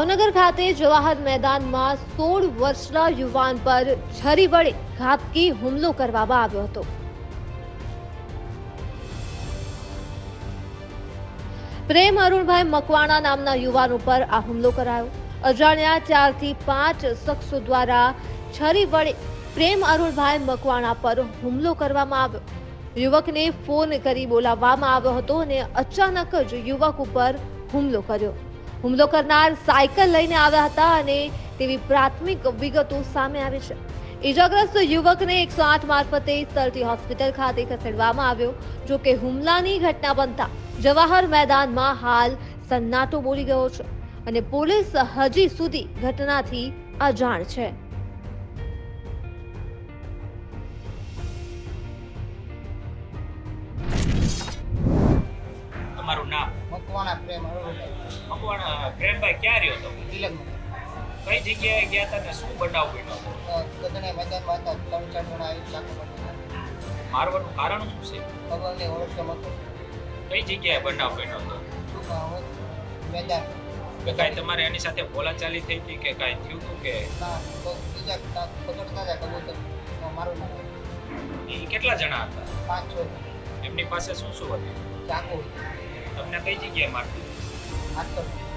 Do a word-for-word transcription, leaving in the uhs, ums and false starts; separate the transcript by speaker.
Speaker 1: ભાવનગર ખાતે જવાહર મેદાનમાં સોળ વર્ષના યુવાન પર છરી વડે ઘાતકી હુમલો કરવામાં આવ્યો હતો। પ્રેમ અરુણભાઈ મકવાણા નામના યુવાન ઉપર આ હુમલો કરાયો। અજાણ્યા ચારથી પાંચ શખ્સો દ્વારા છરી વડે પ્રેમ અરુણભાઈ મકવાણા પર હુમલો કરવામાં આવ્યો। યુવકને ફોન કરી બોલાવવામાં આવ્યો હતો અને અચાનક જ યુવક ઉપર હુમલો કર્યો। હુમલો કરનાર સાયકલ લઈને આવ્યા હતા અને તેવી પ્રાથમિક વિગતો સામે આવી છે। ઈજાગ્રસ્ત યુવકને એકસો આઠ મારફતે સરટી હોસ્પિટલ ખાતે ખસેડવામાં આવ્યો। જો કે હુમલાની ઘટના બનતા જવાહર મેદાનમાં હાલ સન્નાટો બોલી ગયો છે અને પોલીસ હજી સુધી ઘટનાથી અજાણ છે।
Speaker 2: તમારું નામ?
Speaker 3: મકવાણા પ્રેમ અરુણભાઈ।
Speaker 2: મકવાણા પ્રેમભાઈ ક્યાં રહ્યો હતો?
Speaker 3: તિલકમાં।
Speaker 2: કઈ જગ્યાએ ગયા હતા ને શું બનાવ બન્યો હતો?
Speaker 3: ગધને મેદાનમાં હતા, ત્રણ ચાર જણા આવી ચાકુ મારતા।
Speaker 2: મારવાનું કારણ શું છે?
Speaker 3: ખબર નહીં, ઓળખતો નહોતો।
Speaker 2: કઈ જગ્યાએ બનાવ બન્યો હતો?
Speaker 3: શું કામ હોય? મેદાન
Speaker 2: કે કાંઈ તમારે એની સાથે બોલાચાલી થઈ હતી કે કાંઈ થયું હતું કે?
Speaker 3: ના, તો બીજા તા- પકડતા હતા કબૂતર તો મારું નામ
Speaker 2: એ કેટલા જણા હતા?
Speaker 3: પાંચ છ
Speaker 2: એમની પાસે શું શું હતું?
Speaker 3: ચાકુ
Speaker 2: તમને કઈ જગ્યાએ મારતું?
Speaker 3: હાથ પર